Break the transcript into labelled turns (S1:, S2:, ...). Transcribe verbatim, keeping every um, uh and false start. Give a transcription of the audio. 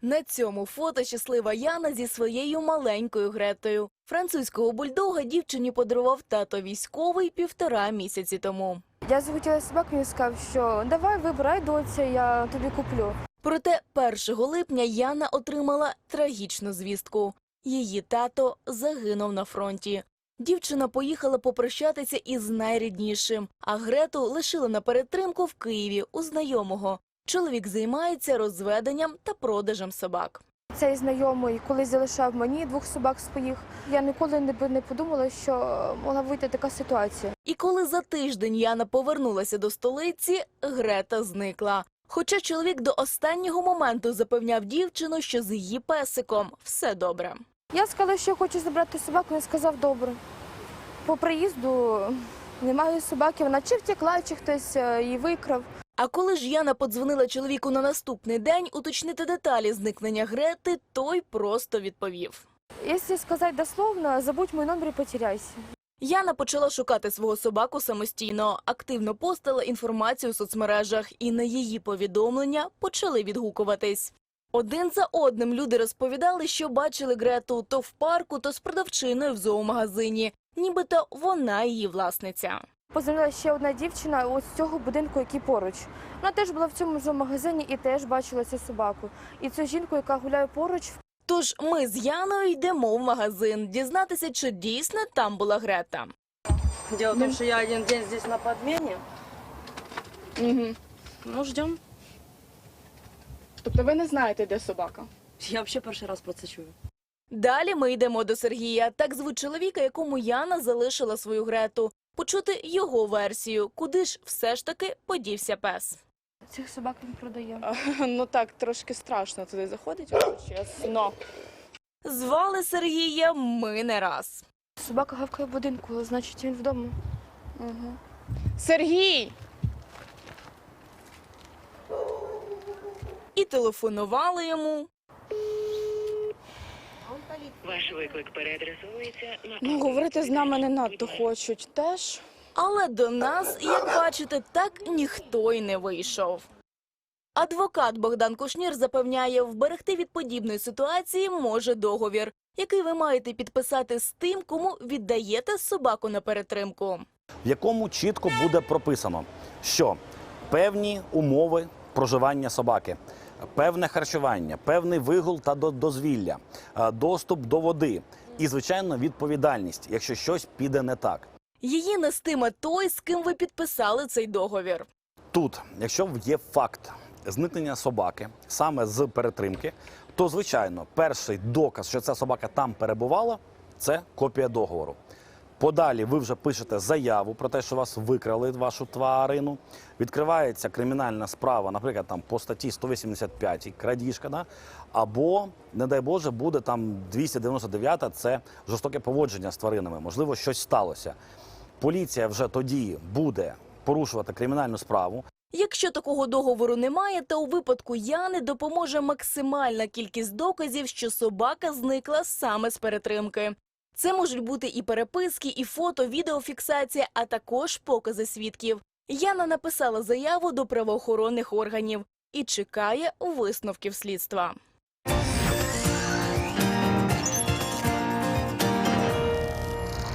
S1: На цьому фото щаслива Яна зі своєю маленькою Гретою. Французького бульдога дівчині подарував тато військовий півтора місяці тому.
S2: Я захотіла собаку, він сказав, що давай вибирай, доця, я тобі куплю.
S1: Проте першого липня Яна отримала трагічну звістку. Її тато загинув на фронті. Дівчина поїхала попрощатися із найріднішим, а Грету лишили на перетримку в Києві у знайомого. Чоловік займається розведенням та продажем собак.
S2: Цей знайомий колись залишав мені двох собак своїх. Я ніколи не, не подумала, що могла вийти така ситуація.
S1: І коли за тиждень Яна повернулася до столиці, Грета зникла. Хоча чоловік до останнього моменту запевняв дівчину, що з її песиком все добре.
S2: Я сказала, що я хочу забрати собаку, він сказав добре. По приїзду немає собаки, вона чи втекла, чи хтось її викрав.
S1: А коли ж Яна подзвонила чоловіку на наступний день уточнити деталі зникнення Грети, той просто відповів.
S2: Якщо сказати дословно, забудь мій номер і потеряйся.
S1: Яна почала шукати свого собаку самостійно, активно постила інформацію у соцмережах, і на її повідомлення почали відгукуватись. Один за одним люди розповідали, що бачили Грету то в парку, то з продавчиною в зоомагазині. Нібито вона її власниця.
S2: Позвонила ще одна дівчина ось з цього будинку, який поруч. Вона теж була в цьому зоомагазині і теж бачила цю собаку. І цю жінку, яка гуляє поруч.
S1: Тож ми з Яною йдемо в магазин, дізнатися, чи дійсно там була Грета.
S3: Дело в том, что я один день здесь на подмене.
S1: Угу.
S3: Ну, ждем.
S4: Тобто ви не знаєте, де собака?
S3: Я вообще перший раз про це чую.
S1: Далі ми йдемо до Сергія, так звуть чоловіка, якому Яна залишила свою Грету. Почути його версію, куди ж все ж таки подівся пес.
S2: Цих собак він продає.
S4: А, ну так, трошки страшно туди заходить, якщо чесно.
S1: Звали Сергія ми не раз.
S2: Собака гавкає в будинку, значить він вдома.
S4: Угу. Сергій!
S1: І телефонували йому.
S5: Ваш виклик переадресовується на...
S4: Ну, говорити з нами не надто хочуть теж.
S1: Але до нас, як бачите, так ніхто й не вийшов. Адвокат Богдан Кушнір запевняє, вберегти від подібної ситуації може договір, який ви маєте підписати з тим, кому віддаєте собаку на перетримку.
S6: В якому чітко буде прописано, що певні умови проживання собаки, певне харчування, певний вигул та дозвілля, доступ до води і, звичайно, відповідальність, якщо щось піде не так.
S1: Її нестиме той, з ким ви підписали цей договір.
S6: Тут, якщо є факт зникнення собаки саме з перетримки, то, звичайно, перший доказ, що ця собака там перебувала, це копія договору. Подалі ви вже пишете заяву про те, що вас викрали, вашу тварину. Відкривається кримінальна справа, наприклад, там, по статті сто вісімдесят п'ять крадіжка, да? Або, не дай Боже, буде там двісті дев'яносто дев'ята, це жорстоке поводження з тваринами, можливо, щось сталося. Поліція вже тоді буде порушувати кримінальну справу.
S1: Якщо такого договору немає, то у випадку Яни допоможе максимальна кількість доказів, що собака зникла саме з перетримки. Це можуть бути і переписки, і фото, відеофіксація, а також покази свідків. Яна написала заяву до правоохоронних органів і чекає висновків слідства.